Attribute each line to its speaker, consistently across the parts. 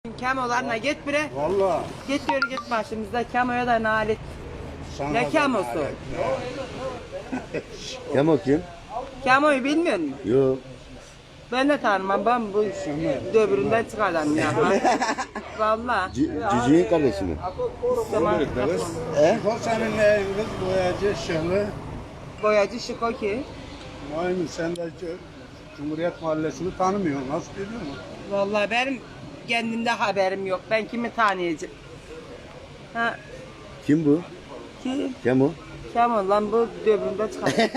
Speaker 1: Kemolarına git bre.
Speaker 2: Valla.
Speaker 1: Git yürü git başımızda kemoya da nalet. Ne kemosu?
Speaker 3: Kemo kim?
Speaker 1: Kemoyu bilmiyor musun?
Speaker 3: Yok.
Speaker 1: Ben de tanımam. Ben bu döbüründen çıkardım ya. Valla.
Speaker 3: Cücüğün kardeşi mi?
Speaker 1: Tamam.
Speaker 2: O senin neyiniz boyacı şıhlı.
Speaker 1: Boyacı Şiko ki.
Speaker 2: Aynı sen de Cumhuriyet Mahallesi'ni tanımıyorsun. Nasıl biliyor musun?
Speaker 1: Vallahi benim kendimde haberim yok. Ben kimi tanıyacağım? Ha,
Speaker 3: Kim bu?
Speaker 1: ki
Speaker 3: Kemo.
Speaker 1: Kemal lan bu döbüründe çıkardım.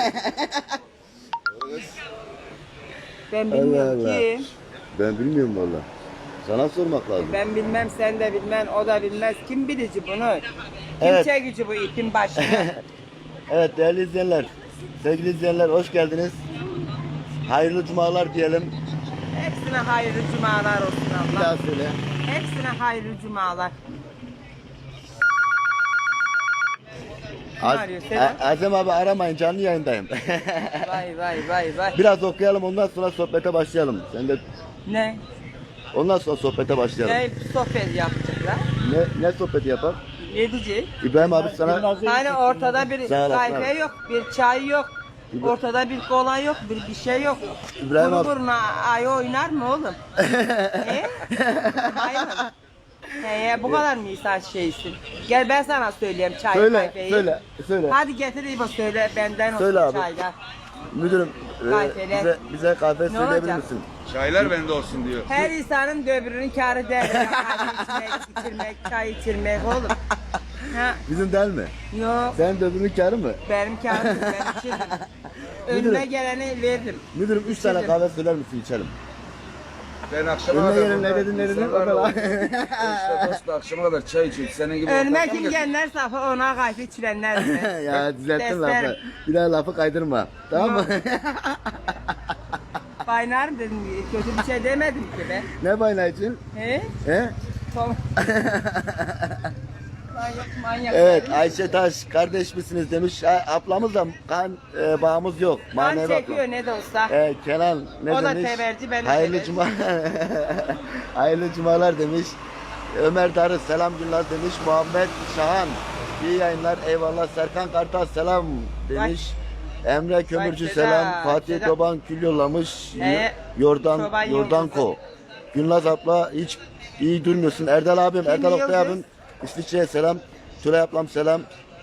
Speaker 1: Ben bilmiyorum
Speaker 3: Allah Allah.
Speaker 1: ki.
Speaker 3: Ben bilmiyorum valla. Sana sormak lazım.
Speaker 1: Ben bilmem, sen de bilmem, o da bilmez. Kim bilici bunu? Kim
Speaker 3: Evet.
Speaker 1: çekici bu ipin başına?
Speaker 3: Evet değerli izleyenler, sevgili izleyenler hoş geldiniz. Hayırlı cumalar diyelim.
Speaker 1: Hepsine hayırlı cumalar olsun
Speaker 3: Bir
Speaker 1: Allah.
Speaker 3: daha söyle.
Speaker 1: Hepsine hayırlı cumalar. Kim
Speaker 3: Az-
Speaker 1: arıyor Sedat?
Speaker 3: Azem abi aramayın, canlı yayındayım.
Speaker 1: Vay vay vay vay.
Speaker 3: Biraz okuyalım, ondan sonra sohbete başlayalım. Sen de
Speaker 1: Ne?
Speaker 3: ondan sonra sohbete başlayalım.
Speaker 1: Ne sohbet yapacaklar?
Speaker 3: Ne sohbeti yapalım?
Speaker 1: Ne diyecek?
Speaker 3: İbrahim abi sana
Speaker 1: Hani ortada bir
Speaker 3: Sağ ol, sağ ol.
Speaker 1: kahve yok, bir çay yok. Ortada bir kola yok, bir şey yok.
Speaker 3: İbrahim
Speaker 1: Kuru
Speaker 3: abi-
Speaker 1: buruna ayı oynar mı oğlum? He? Hayır. He, bu kadar mı insan şeysin? Gel ben sana söyleyeyim çay
Speaker 3: söyle,
Speaker 1: kahveyi.
Speaker 3: söyle.
Speaker 1: Hadi getir İbo söyle benden
Speaker 3: Söyle
Speaker 1: olsun
Speaker 3: abi.
Speaker 1: çaylar.
Speaker 3: Müdürüm,
Speaker 1: Kahveler.
Speaker 3: bize kahve söyleyebilir
Speaker 1: olacak?
Speaker 3: misin?
Speaker 4: Çaylar bende olsun diyor.
Speaker 1: Her insanın döbürünün kârı der. Kahve içmek, içirmek, çay içirmek oğlum. Ha,
Speaker 3: Bizim değil mi?
Speaker 1: yok.
Speaker 3: Sen de öbürünün kârı mı?
Speaker 1: Benim kârım ben içirim. Önüme
Speaker 3: Müdürüm.
Speaker 1: geleni veririm.
Speaker 3: Müdürüm 3 tane kahve söyler misin içelim?
Speaker 4: Ben akşama
Speaker 3: Önüne
Speaker 4: kadar
Speaker 3: gelin, ne
Speaker 4: burada
Speaker 3: dedin, ne dedin?
Speaker 4: insanlar
Speaker 3: O da var.
Speaker 4: var. İşte dost da akşama kadar çay içiyor. Senin gibi
Speaker 1: Önüme
Speaker 4: ortakla
Speaker 1: kim
Speaker 4: mı
Speaker 1: gelenler safı ona kahve içirenler mi?
Speaker 3: Ya düzelttin lafı.
Speaker 1: Derslerim.
Speaker 3: Bir daha lafı kaydırma. Tamam mı?
Speaker 1: Baynarım dedim, kötü bir şey demedim ki be.
Speaker 3: Ne bayna için?
Speaker 1: He?
Speaker 3: He?
Speaker 1: Tamam. Manyak manyak.
Speaker 3: Evet Ayşe Taş kardeş misiniz demiş. Ablamızla kan bağımız yok.
Speaker 1: Kan
Speaker 3: Manevi
Speaker 1: çekiyor
Speaker 3: ablam.
Speaker 1: ne de olsa.
Speaker 3: Kenan ne
Speaker 1: O da
Speaker 3: demiş?
Speaker 1: teberci, ben de
Speaker 3: Hayırlı
Speaker 1: teberci.
Speaker 3: cuma Hayırlı cumalar demiş. Ömer Darı selam günler demiş. Muhammed Şahan iyi yayınlar eyvallah. Serkan Kartal selam demiş. Emre Kömürcü
Speaker 1: Sedat,
Speaker 3: selam. Fatih
Speaker 1: Sedat.
Speaker 3: Toban kül yollamış.
Speaker 1: Çoban
Speaker 3: Yordanko.
Speaker 1: Yıldızı.
Speaker 3: Gülnaz abla hiç iyi durmuyorsun. Erdal abim, Erdal Oktay
Speaker 1: Yıldız?
Speaker 3: abim İsviçre'ye selam. Tülay ablam selam.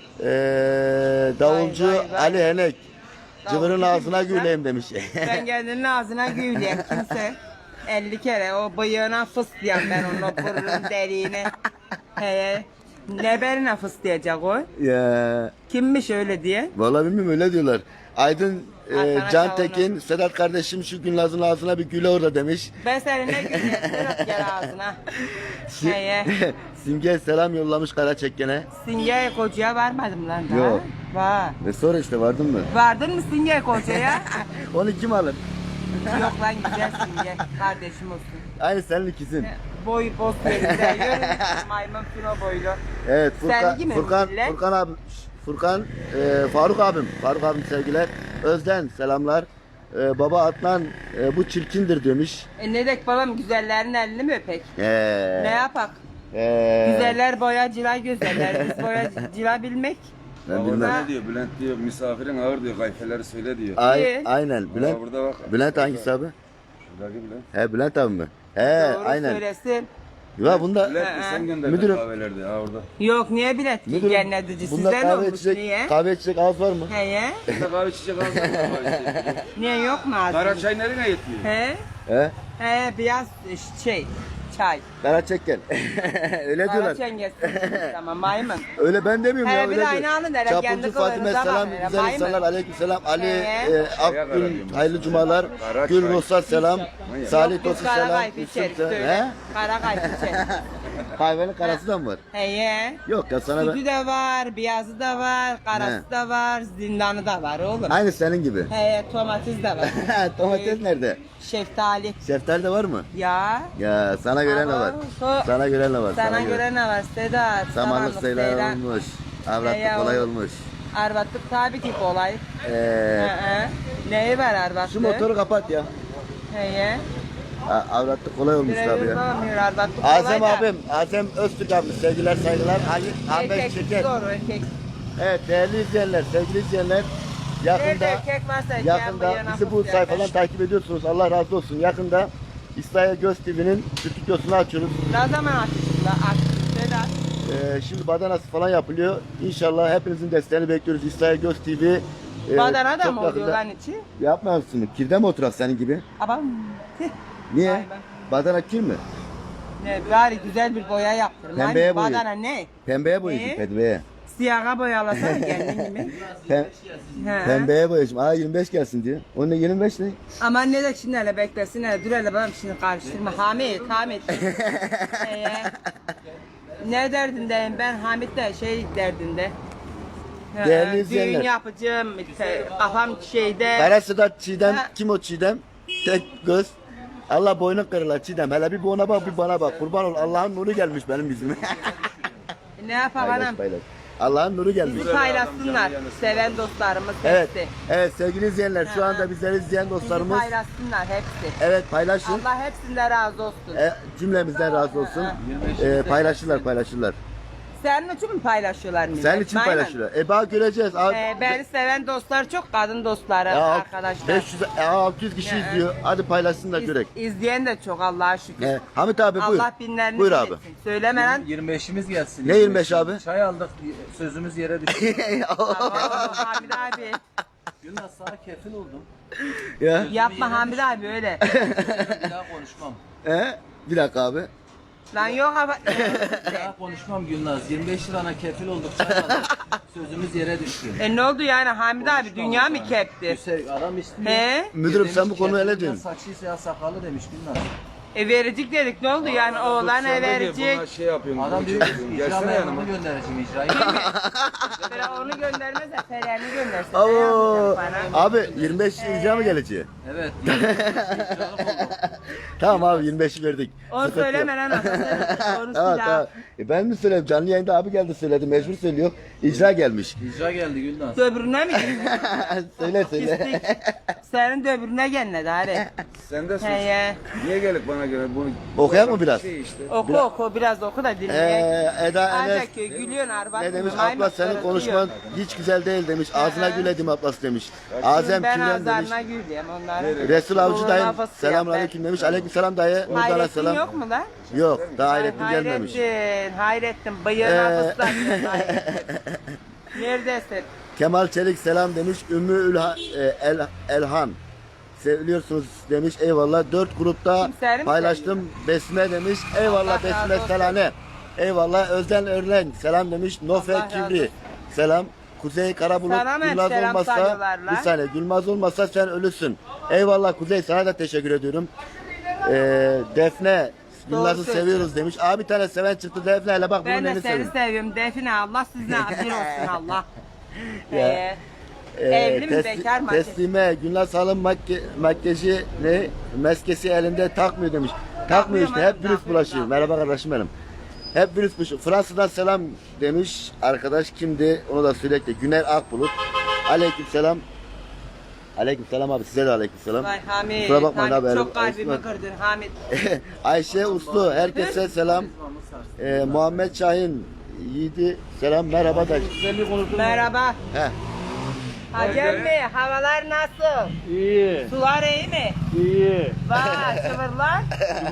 Speaker 3: Davulcu
Speaker 1: Vay, vay, vay.
Speaker 3: Ali Henek. Cıvırın
Speaker 1: Davulcu
Speaker 3: ağzına
Speaker 1: kimmiş lan?
Speaker 3: güleyim demiş.
Speaker 1: Ben kendinin ağzına güyleyim kimse. 50 kere o bıyığına fıslayan ben onun o burnun deliğine. He. Ne berine fıslayacak o?
Speaker 3: Ya
Speaker 1: Kimmiş öyle diye?
Speaker 3: vallahi bilmiyorum öyle diyorlar. Aydın
Speaker 1: Arkana
Speaker 3: Can
Speaker 1: kavunu.
Speaker 3: Tekin, Sedat kardeşim şu Gülnaz'ın ağzına bir güle orada demiş.
Speaker 1: Ben seninle güleyim. Serap gel ağzına. He.
Speaker 3: Simge selam yollamış Karaçekken'e.
Speaker 1: Singe kocaya varmadım lan daha.
Speaker 3: Yok.
Speaker 1: Var.
Speaker 3: Ve sonra işte vardın mı?
Speaker 1: Vardın mı Singe kocaya?
Speaker 3: Onu kim alır?
Speaker 1: Yok lan güzel Singe. Kardeşim olsun.
Speaker 3: Aynı senin ikizin.
Speaker 1: Boy boz yerinde. Yürü. Maymun fino boylu.
Speaker 3: Evet
Speaker 1: Sevgi mi millet?
Speaker 3: Furkan abi Faruk abim sevgiler. Özden selamlar. Baba Adnan bu çirkindir demiş.
Speaker 1: Ne dek babam güzellerin elini mi öpek? Ne
Speaker 3: Ne
Speaker 1: yapak? Güzeller boyacılar güzeller. Biz boyacılar bilmek.
Speaker 3: Ben
Speaker 4: Orada
Speaker 3: bilmem.
Speaker 4: ne diyor? Bülent diyor misafirin ağır diyor. Kayfeleri söyle diyor.
Speaker 3: Aynen.
Speaker 4: Bülent. Burada bak.
Speaker 3: Bülent hangisi abi?
Speaker 4: Şuradaki Bülent.
Speaker 3: He Bülent abi mi? He
Speaker 1: Doğru
Speaker 3: aynen.
Speaker 1: söylesin.
Speaker 3: Ya bunda
Speaker 4: Bülent de sen gönderdin
Speaker 3: Müdürüm.
Speaker 4: kahvelerde. Ha orada.
Speaker 1: Yok niye bilet
Speaker 3: müdürüm,
Speaker 1: cennetici
Speaker 3: bunda
Speaker 1: sizden olmuş niye?
Speaker 3: kahve içecek ağız var mı?
Speaker 1: Heye?
Speaker 4: Burada kahve içecek ağzı var. Kahve içecek.
Speaker 1: Niye yok mu ağzın?
Speaker 4: Kara çay nereye yetiyor?
Speaker 1: He?
Speaker 3: He?
Speaker 1: He beyaz çay.
Speaker 3: Karaçekken. Öyle
Speaker 1: Kara
Speaker 3: diyorlar.
Speaker 1: çengesi. Tamam maymun.
Speaker 3: Öyle ben demiyorum
Speaker 1: He,
Speaker 3: ya.
Speaker 1: bir
Speaker 3: Öyle
Speaker 1: de aynı
Speaker 3: diyor.
Speaker 1: anı der,
Speaker 3: Çapulcu
Speaker 1: kendi
Speaker 3: Fatime
Speaker 1: kılığınıza
Speaker 3: selam.
Speaker 1: bakın,
Speaker 3: Güzel
Speaker 1: maymun.
Speaker 3: insanlar. Aleyküm selam. Ali
Speaker 1: He.
Speaker 3: Akgün hayırlı cumalar.
Speaker 4: Kara
Speaker 3: Gül
Speaker 4: çay.
Speaker 3: Ruhsar selam. Salih
Speaker 1: Biz
Speaker 3: Tosun
Speaker 1: kara
Speaker 3: selam.
Speaker 1: kayfı içeriz
Speaker 3: Yusuf
Speaker 1: söyle.
Speaker 3: He?
Speaker 1: Kara kayfı içeriz.
Speaker 3: Kahvenin karası da mı var?
Speaker 1: Heye?
Speaker 3: Yok ya sana ben.
Speaker 1: Sütü de var, beyazı da var, karası
Speaker 3: He.
Speaker 1: da var, zindanı da var oğlum.
Speaker 3: Aynı senin gibi.
Speaker 1: He, domates de var.
Speaker 3: Domates nerede?
Speaker 1: Şeftali.
Speaker 3: Şeftali de var mı?
Speaker 1: Ya.
Speaker 3: Ya sana göre ne var?
Speaker 1: Ama
Speaker 3: Sana göre ne var?
Speaker 1: Sana göre ne var Sedat?
Speaker 3: Samanlık sayılar olmuş. Avratlık
Speaker 1: Ya,
Speaker 3: kolay
Speaker 1: o-
Speaker 3: olmuş.
Speaker 1: Arvatlık tabii ki kolay. Hı. Neyi var arvatlık?
Speaker 3: Şu motoru kapat ya.
Speaker 1: Heye.
Speaker 3: Avratlık kolay olmuş
Speaker 1: Biraz
Speaker 3: tabii ya.
Speaker 1: yapamıyor ardatlık
Speaker 3: Azem
Speaker 1: kolay da.
Speaker 3: abim, Azem Öztürk abim, sevgiler saygılar. Ali Ahmet
Speaker 1: Erkek
Speaker 3: Şeker.
Speaker 1: zor erkek.
Speaker 3: Evet değerli izleyenler, sevgili izleyenler.
Speaker 1: Nerede
Speaker 3: Yakında,
Speaker 1: erkek varsa
Speaker 3: yakında bizi bu sayfadan takip ediyorsunuz. Allah razı olsun. Yakında İsrail Göz TV'nin stüdyosunu açıyoruz.
Speaker 1: Ne zaman açtın la? Açtın Sedat.
Speaker 3: Şimdi badanası falan yapılıyor. İnşallah hepinizin desteğini bekliyoruz. İsrail Göz TV.
Speaker 1: Badana da
Speaker 3: çok
Speaker 1: mı oluyor
Speaker 3: yakında-
Speaker 1: lan içi?
Speaker 3: Yapma mısın? Kirde mi oturak senin gibi?
Speaker 1: Ama
Speaker 3: Niye?
Speaker 1: Vay be.
Speaker 3: Badana kir mi?
Speaker 1: ne bari güzel bir boya yaptır.
Speaker 3: Pembeye
Speaker 1: Lan
Speaker 3: boyayın.
Speaker 1: badana ne?
Speaker 3: Pembeye boyayacağım,
Speaker 1: Ne?
Speaker 3: pembeye.
Speaker 1: Siyaha boyalasana kendin gibi. He.
Speaker 3: Pembeye boyayacağım. Aa 25 gelsin diyor. Onun ne 25 ne?
Speaker 1: Aman ne de şimdi hele beklesin hele dur hele babam şimdi karıştırma. Hamit. Ne derdindeyim ben Hamit de şey derdinde. He,
Speaker 3: Değerli izleyenler.
Speaker 1: Düğün yapacağım kafam şeyde.
Speaker 3: Kara Sedat Çiğdem.
Speaker 1: Ha.
Speaker 3: Kim o Çiğdem? Tek göz. Allah boynun kırılar Çiğdem. Hele bir ona bak bir bana bak. Kurban ol. Allah'ın nuru gelmiş benim yüzüme.
Speaker 1: Ne yapalım
Speaker 3: Paylaş
Speaker 1: anam?
Speaker 3: paylaş. Allah'ın nuru gelmiş.
Speaker 1: Bizi paylaşsınlar. Seven dostlarımız
Speaker 3: Evet.
Speaker 1: hepsi.
Speaker 3: Evet sevgili izleyenler şu
Speaker 1: Ha.
Speaker 3: anda bizleri izleyen
Speaker 1: Bizi
Speaker 3: dostlarımız.
Speaker 1: paylaşsınlar hepsi.
Speaker 3: Evet paylaşın.
Speaker 1: Allah hepsinden razı olsun.
Speaker 3: Cümlemizden razı olsun.
Speaker 1: Ha.
Speaker 3: Paylaşırlar.
Speaker 1: Senin için mi paylaşıyorlar millet?
Speaker 3: Senin için
Speaker 1: Aynen.
Speaker 3: paylaşırlar. Bak göreceğiz.
Speaker 1: Beni seven dostlar çok, kadın dostları,
Speaker 3: Ya,
Speaker 1: arkadaşlar.
Speaker 3: 500 600 kişi
Speaker 1: Ya.
Speaker 3: izliyor. Hadi paylaşsınlar görek.
Speaker 1: İzleyen de çok Allah'a şükür.
Speaker 3: Hamit abi buyur.
Speaker 1: Allah binlerini
Speaker 3: Buyur abi.
Speaker 1: biletsin. Söyleme lan.
Speaker 4: 25'imiz gelsin.
Speaker 3: Ne 25 abi?
Speaker 4: Çay aldık, sözümüz yere düştü.
Speaker 1: Hamid abi.
Speaker 4: Yunus sana kefil oldum.
Speaker 3: Ya.
Speaker 1: Yapma Hamid abi öyle.
Speaker 4: Bir daha konuşmam.
Speaker 3: Bir dakika abi.
Speaker 1: Lan yok ama.
Speaker 4: Bir daha konuşmam Yunus. 25 lirana kefil olduk, çay aldık. Sözümüz yere düştü.
Speaker 1: Ne oldu yani Hamid abi dünya mı kepti?
Speaker 4: Adam istiyor.
Speaker 1: He?
Speaker 3: Müdürüm
Speaker 4: Demiş
Speaker 3: sen bu
Speaker 4: ki,
Speaker 3: konuyu ele
Speaker 4: kefil
Speaker 3: diyorsun.
Speaker 4: Saçıysa ya sakalı demiş Yunus.
Speaker 1: Verecek dedik ne oldu yani oğlana verecek.
Speaker 2: Şey yapıyorum.
Speaker 4: Adam diyor ki icra memurunu göndereceğim icrayı.
Speaker 1: Böyle onu göndermez de Feren'i göndersin. Ne
Speaker 3: Oo.
Speaker 1: yapacak bana?
Speaker 3: Abi 25 icra mı gelecek?
Speaker 4: Evet. icralık oldum.
Speaker 3: Tamam abi 25'i verdik.
Speaker 1: Onu
Speaker 3: Sıkıntı yok.
Speaker 1: söyleme lan aslında. Onu
Speaker 3: Tamam
Speaker 1: silah.
Speaker 3: tamam. Ben mi söyleyeyim? Canlı yayında abi geldi söyledi. Mecbur söylüyor. İcra gelmiş.
Speaker 4: İcra geldi Gülnaz.
Speaker 1: Döbrüne mi girdin?
Speaker 3: söyle söyle.
Speaker 1: Pislik. Senin döbrüne gelmedi hadi.
Speaker 2: Sen de sus.
Speaker 1: He.
Speaker 2: Niye gelip bana göre bunu
Speaker 3: Okuyak mı biraz?
Speaker 2: şey işte.
Speaker 1: Oku biraz oku da dinle.
Speaker 3: Eda Enes
Speaker 1: Ancak gülüyorsun arbat.
Speaker 3: ne demiş? Abla senin konuşman hiç güzel değil demiş. Ağzına gül edim ablası demiş. Azem
Speaker 1: Ben
Speaker 3: Tülen demiş.
Speaker 1: ağızlarına gülüyorum onları.
Speaker 3: Resul Avcı
Speaker 1: Doğru
Speaker 3: dayım
Speaker 1: lafı
Speaker 3: selamun
Speaker 1: yap.
Speaker 3: aleyküm demiş. Aleyküm selam dayı. Nurdan'a
Speaker 1: Hayrettin
Speaker 3: selam.
Speaker 1: yok mu lan?
Speaker 3: Yok daha Hayrettin gelmemiş.
Speaker 1: Hayrettin. Bıyığına fıstık. Neredesin?
Speaker 3: Kemal Çelik selam demiş. Ümmü Elhan. Seviliyorsunuz demiş. Eyvallah. 4 grupta
Speaker 1: Kimsenin mi
Speaker 3: paylaştım. Besme demiş. Eyvallah
Speaker 1: Allah razı
Speaker 3: Besme
Speaker 1: olsun.
Speaker 3: Selane. Eyvallah. Özden Örlen selam demiş. Nofe
Speaker 1: Allah razı
Speaker 3: Kibri
Speaker 1: olsun.
Speaker 3: selam. Kuzey Karabulut
Speaker 1: Sana mı
Speaker 3: Gülmaz
Speaker 1: selam
Speaker 3: olmazsa
Speaker 1: sarıyorlar lan?
Speaker 3: bir saniye Gülmaz olmazsa sen ölüsün. Eyvallah Kuzey sana da teşekkür ediyorum. Defne Gülmaz'ı
Speaker 1: söylüyorsun.
Speaker 3: seviyoruz demiş. Abi bir tane seven çıktı Defne ile bak bunun
Speaker 1: Ben de
Speaker 3: elini
Speaker 1: seni
Speaker 3: seviyorum.
Speaker 1: seviyorum. Define Allah sizinle bir olsun Allah.
Speaker 3: Ya.
Speaker 1: Evli mi bekar mı?
Speaker 3: Teslime Gülnaz Hanım makyajı ne meskesi elinde takmıyor demiş. Takmıyor işte hep virüs bulaşıyor. Merhaba kardeşim benim. Hep virüs bulaşıyor. Fransa'dan selam demiş arkadaş kimdi onu da söyle de Güner Akbulut. Aleykümselam. Aleykümselam abi size de aleykümselam.
Speaker 1: Vay Hamid.
Speaker 3: Kusura bakmayın
Speaker 1: Hamid
Speaker 3: abi,
Speaker 1: çok kalbimi
Speaker 3: Osman.
Speaker 1: kırdın Hamid.
Speaker 3: Ayşe Uslu herkese selam. Muhammed Şahin Yiğidi selam merhaba da.
Speaker 1: Merhaba.
Speaker 3: He.
Speaker 1: Hacem Bey havalar nasıl?
Speaker 5: İyi,
Speaker 1: Sular iyi mi?
Speaker 5: iyi.
Speaker 1: Vay çıvırlar.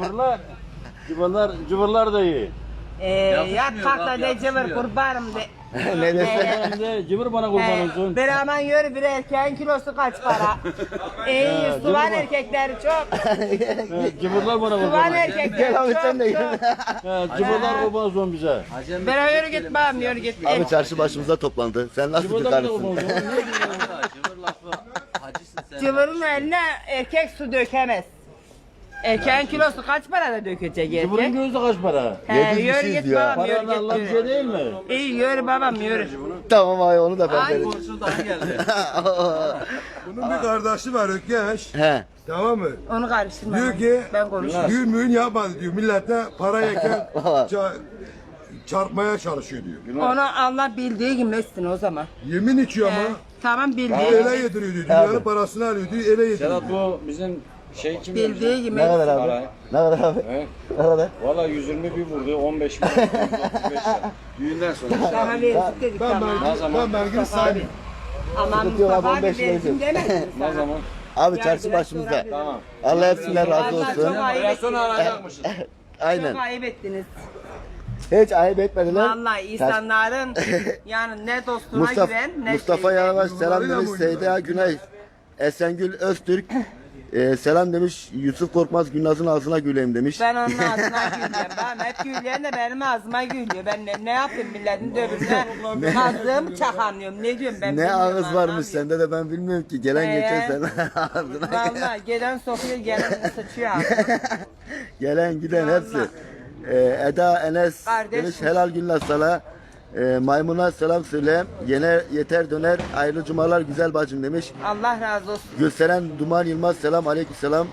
Speaker 5: Cıvırlar da iyi.
Speaker 1: Yat
Speaker 4: Yakışmıyor
Speaker 1: kalk da
Speaker 4: abi,
Speaker 1: de cıvır
Speaker 4: yakışmıyor.
Speaker 1: kurbanım de.
Speaker 3: Ne dese.
Speaker 5: Hem de cıvır bana kurban olsun.
Speaker 1: Bir aman yürü bir erkeğin kilosu kaç para? İyi suvan erkekleri çok.
Speaker 5: Cıvırlar bana kurban
Speaker 1: Suvan
Speaker 5: olsun.
Speaker 1: erkekleri
Speaker 3: Gel abi sen de
Speaker 1: çok
Speaker 3: gel.
Speaker 1: çok.
Speaker 5: Cıvırlar kurban olsun bize.
Speaker 4: Hacem
Speaker 1: Ben yürü git babam yürü git.
Speaker 3: Abi çarşı başımıza toplandı. Sen nasıl bir
Speaker 5: Cıvırlar da kurban
Speaker 3: karısın?
Speaker 5: olsun.
Speaker 4: Cıvır lafı. Hacısın sen.
Speaker 1: Cıvırın eline erkek su dökemez. Erkeğin kilosu kaç para da dökecek
Speaker 5: Cıvırın
Speaker 1: erkek?
Speaker 5: gözü kaç para?
Speaker 1: He,
Speaker 3: 700
Speaker 1: yürü
Speaker 3: kişiyiz
Speaker 1: git
Speaker 3: ya.
Speaker 1: babam yürü
Speaker 5: Paranın Allah bir
Speaker 1: git.
Speaker 5: şey değil mi?
Speaker 1: İyi yürü babam yürü.
Speaker 3: Tamam abi onu da ben
Speaker 1: Ay.
Speaker 3: veririm.
Speaker 4: Komşu daha geldi.
Speaker 2: Bunun bir kardeşi var Ökkeş.
Speaker 3: He.
Speaker 2: Tamam mı?
Speaker 1: Onu karıştırma.
Speaker 2: Diyor ki
Speaker 1: Ben konuşurum.
Speaker 2: düğün müğün yapmadı diyor. Millete para yeken çarpmaya çalışıyor diyor.
Speaker 1: Onu Allah bildiği gibi etsin o zaman.
Speaker 2: Yemin içiyor ama.
Speaker 1: Tamam bildiği
Speaker 2: Ele
Speaker 1: gibi.
Speaker 2: yediriyor diyor. Dünyanın parasını alıyor diyor. Ele yediriyor.
Speaker 5: Sedat bu bizim Şey kim
Speaker 1: Bildiği gibi.
Speaker 3: Ne kadar abi?
Speaker 5: Para.
Speaker 3: Ne kadar abi?
Speaker 5: He?
Speaker 3: Ne kadar?
Speaker 5: Valla 120 bir vurdu 15 bin 135 lira. Düğünden sonra.
Speaker 1: Daha verirdik dedik ama.
Speaker 5: zaman?
Speaker 2: belgeni saymıyorum.
Speaker 1: Aman
Speaker 3: Sıkıntı yok abi,
Speaker 1: Mustafa abi
Speaker 3: 15 lira
Speaker 1: versin demedin
Speaker 5: Ne
Speaker 1: sana.
Speaker 5: zaman?
Speaker 3: Abi
Speaker 1: Ya
Speaker 3: çarşı
Speaker 1: biraz
Speaker 3: başımızda.
Speaker 1: sonra
Speaker 5: Tamam.
Speaker 3: Allah hepsinden razı
Speaker 1: Vallahi
Speaker 3: olsun.
Speaker 1: çok ayıp ettiniz.
Speaker 5: alacakmışız.
Speaker 3: Aynen.
Speaker 1: Çok ayıp ettiniz.
Speaker 3: Hiç ayıp etmediler.
Speaker 1: Vallahi insanların yani ne dostuna
Speaker 3: Mustafa,
Speaker 1: güven ne
Speaker 3: Mustafa
Speaker 1: şeyine.
Speaker 3: Yalavaş selam demiş. Seyda Güney. Esengül Öztürk. Selam demiş. Yusuf Korkmaz Gülnaz'ın ağzına güleyim demiş.
Speaker 1: Ben onun ağzına gülüyorum. Ben hep güleyen de benim ağzıma gülüyor. Ben ne yapayım milletin döbürüne kazığım çakanıyorum. Ne diyorum ben
Speaker 3: Ne
Speaker 1: bilmiyorum,
Speaker 3: ağız varmış
Speaker 1: anlamıyorum.
Speaker 3: sende de ben bilmiyorum ki. Gelen geçen sen ağzına.
Speaker 1: Vallahi gelen sokuyor gelen sıçıyor ağzına.
Speaker 3: Gelen giden
Speaker 1: Vallahi.
Speaker 3: hepsi. Eda Enes
Speaker 1: Kardeşim.
Speaker 3: demiş helal Gülnaz sana. Maymuna selam söyle. Yeter döner. Hayırlı cumalar güzel bacım demiş.
Speaker 1: Allah razı olsun.
Speaker 3: Gülseren Duman Yılmaz selam aleykümselam.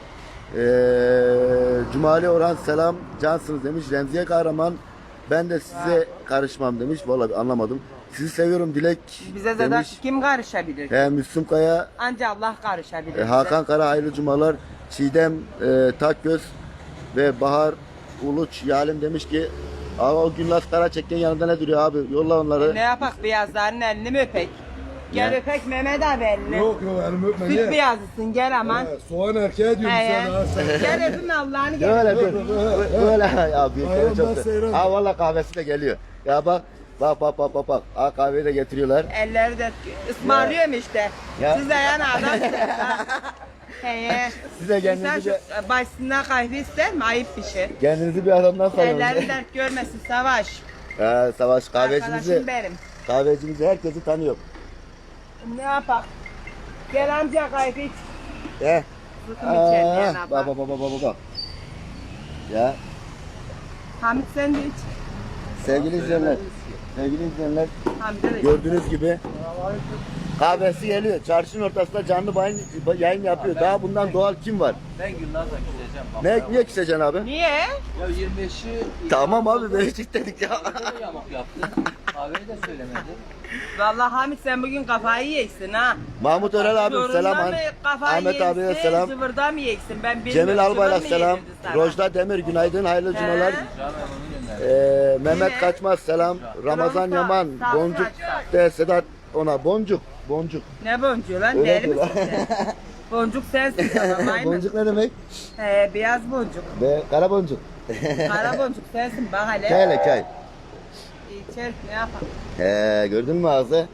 Speaker 3: Cumali Orhan selam cansınız demiş. Remziye Kahraman ben de size karışmam demiş. Vallahi anlamadım. Sizi seviyorum Dilek
Speaker 1: Bize zaten
Speaker 3: demiş.
Speaker 1: kim karışabilir?
Speaker 3: Müslüm Kaya,
Speaker 1: Ancak Allah karışabilir. bize.
Speaker 3: Hakan Kara hayırlı cumalar. Çiğdem Takgöz ve Bahar Uluç Yalim demiş ki o Gülnaz Karaçek'in yanında ne duruyor abi? Yolla onları.
Speaker 1: Ne yapak beyazların elini mi öpek? Gel
Speaker 3: Ne?
Speaker 1: öpek Mehmet abi elini.
Speaker 2: Yok elimi öpme
Speaker 1: Süt
Speaker 2: niye?
Speaker 1: beyazısın gel aman.
Speaker 2: Soğan erkeğe diyorum
Speaker 1: He,
Speaker 2: sen ha sen.
Speaker 1: Gel öpün Allah'ını gel.
Speaker 3: Böyle dur. Böyle ya büyükleri
Speaker 2: Ayağım
Speaker 3: çok.
Speaker 2: ben seyran.
Speaker 3: Ha valla kahvesi de geliyor. Ya bak. Bak. Ha kahveyi de getiriyorlar.
Speaker 1: Elleri de ısmarlıyorum işte.
Speaker 3: Ya.
Speaker 1: Siz de yani adamsınız ha. Heye.
Speaker 3: Siz de kendinizi
Speaker 1: Sen şu başından kahve ister mi? Ayıp bir şey.
Speaker 3: Kendinizi bir adamdan
Speaker 1: Ellerin
Speaker 3: sanıyorsunuz.
Speaker 1: dert görmesin Savaş.
Speaker 3: Savaş
Speaker 1: Arkadaşım
Speaker 3: kahvecimizi,
Speaker 1: benim.
Speaker 3: kahvecimizi herkesi tanıyor.
Speaker 1: Ne yapak? Gel amca kahve iç.
Speaker 3: He.
Speaker 1: Zıkım içelim yani
Speaker 3: Bak.
Speaker 1: bak.
Speaker 3: Ya
Speaker 1: Hamit sen de iç.
Speaker 3: sevgili izleyenler. Sevgili izleyenler
Speaker 1: Hamid'e de iç.
Speaker 3: gördüğünüz gibi kahvesi geliyor. Çarşının ortasında canlı yayın yapıyor. Daha bundan doğal kim var?
Speaker 4: Ben Gülnaz'la gideceğim. Bak.
Speaker 3: Niye küseceksin abi?
Speaker 1: Niye?
Speaker 4: Ya 25'i
Speaker 3: Tamam abi Beşik dedik ya.
Speaker 4: yamuk yaptı. Kahveyi de söylemedi.
Speaker 1: Vallahi Hamit sen bugün kafayı yiyeceksin ha.
Speaker 3: Mahmut Örel abi
Speaker 1: Zorunda
Speaker 3: selam.
Speaker 1: mı kafayı
Speaker 3: Ahmet abiye
Speaker 1: yiyeceksin,
Speaker 3: selam.
Speaker 1: Zıvırda mı yiyeceksin ben bilmiyorum.
Speaker 3: Cemil Albayrak
Speaker 1: Zıvır mı
Speaker 3: selam.
Speaker 1: yedirdi sana?
Speaker 3: Rojda Demir günaydın hayırlı
Speaker 1: He?
Speaker 3: cumalar.
Speaker 4: Canım onu gönder.
Speaker 3: Mehmet
Speaker 1: Yine.
Speaker 3: Kaçmaz selam. Ramazan
Speaker 1: Ramazan,
Speaker 3: Yaman.
Speaker 1: sağ ol,
Speaker 3: Boncuk
Speaker 1: sağ ol.
Speaker 3: de Sedat ona boncuk.
Speaker 1: Ne boncuğu lan?
Speaker 3: Öyle
Speaker 1: Deli misin
Speaker 3: diyorlar.
Speaker 1: sen? Boncuk sensin tamam maymun.
Speaker 3: Boncuk ne demek?
Speaker 1: Beyaz boncuk.
Speaker 3: Kara boncuk.
Speaker 1: Kara boncuk sensin bak hele.
Speaker 3: Kay.
Speaker 1: İçer ne yapalım?
Speaker 3: Gördün mü ağzı?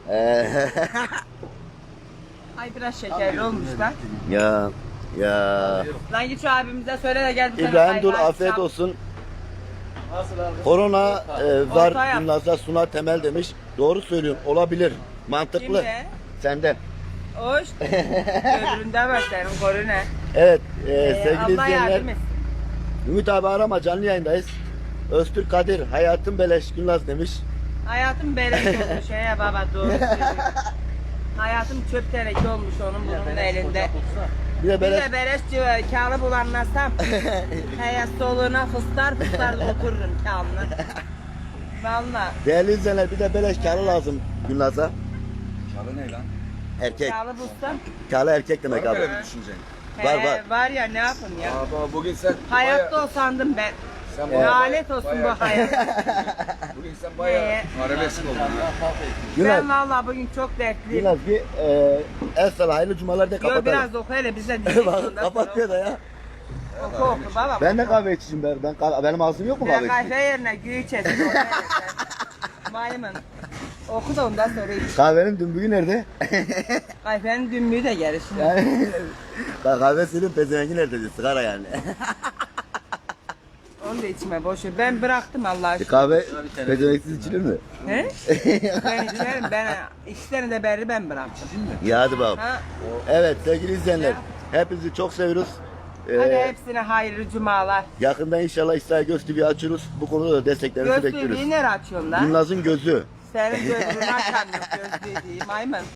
Speaker 1: Ay biraz şekerli olmuş lan.
Speaker 3: Ya.
Speaker 1: Lan git şu abimize söyle de gel bir tane
Speaker 3: İbrahim Dur
Speaker 1: kaymak
Speaker 3: afiyet
Speaker 1: yap.
Speaker 3: olsun.
Speaker 4: Nasıl abi?
Speaker 3: Korona
Speaker 1: Orta
Speaker 3: var
Speaker 1: yap.
Speaker 3: Gülnaz'da Suna Temel demiş. Doğru söylüyorsun. Olabilir. Mantıklı.
Speaker 1: Kimde?
Speaker 3: Sende.
Speaker 1: Hoş. Öbüründe var senin koru ne?
Speaker 3: Evet sevgili
Speaker 1: Allah
Speaker 3: izleyenler.
Speaker 1: yardım etsin.
Speaker 3: Ümit abi arama canlı yayındayız. Öztürk Kadir hayatım beleş Gülnaz demiş.
Speaker 1: Hayatım beleş olmuş ya baba doğru söylüyor. Hayatım çöp teneke olmuş onun bunun da elinde.
Speaker 3: Bir de
Speaker 1: Bir
Speaker 3: beleş.
Speaker 1: de beleş kağılı bulanlasam. Heye soluğuna fıstar otururum kağını. Valla.
Speaker 3: Değerli izleyenler bir de beleş kârı lazım Gülnaz'a.
Speaker 2: Çalı ne lan?
Speaker 3: Erkek.
Speaker 1: Kağılı bulsam.
Speaker 3: Kârı erkek demek abi.
Speaker 2: düşüneceksin?
Speaker 3: Var.
Speaker 1: Var ya ne yapayım ya.
Speaker 2: Baba bugün sen
Speaker 1: Hayatta olsandım ben.
Speaker 2: sen
Speaker 1: Lanet olsun bu hayat.
Speaker 2: bugün sen
Speaker 1: bayağı
Speaker 2: arabesk oldun.
Speaker 3: Gülnaz.
Speaker 1: Ben valla bugün çok dertliyim.
Speaker 3: Gülnaz bir el sana hayırlı cumalar de
Speaker 1: Yo
Speaker 3: kapatalım.
Speaker 1: biraz oku hele bize dinleyin.
Speaker 3: Bak, kapatıyor da ya.
Speaker 1: Oku baba.
Speaker 3: Ben de kahve içeceğim benim ağzım yok mu kahve
Speaker 1: Ben
Speaker 3: içecek?
Speaker 1: kahve yerine gül içesin. Maymun. Oku da ondan sonra iç.
Speaker 3: Kahvenin dümbüğü nerede?
Speaker 1: Kahvenin dümbüğü de gelir şimdi.
Speaker 3: Yani bak kahve senin pezevengi nerede diyor sigara yani.
Speaker 1: Onu da içme boş ver. Ben bıraktım Allah aşkına.
Speaker 3: Kahve pezevenksiz içilir mi?
Speaker 1: He? Ben içerim. Ben 2 sene de beri ben bıraktım.
Speaker 3: Ya hadi bakalım.
Speaker 1: Ha?
Speaker 3: Evet sevgili izleyenler hepinizi çok seviyoruz.
Speaker 1: Hadi hepsine hayırlı cumalar.
Speaker 3: Yakında inşallah İsrail Göz TV açıyoruz. Bu konuda da desteklerinizi bekliyoruz.
Speaker 1: Gözlüğü nereye açıyorsun lan?
Speaker 3: Gülnaz'ın gözü.
Speaker 1: Senin gözlüğünü açamıyorum gözlüğü değil maymun.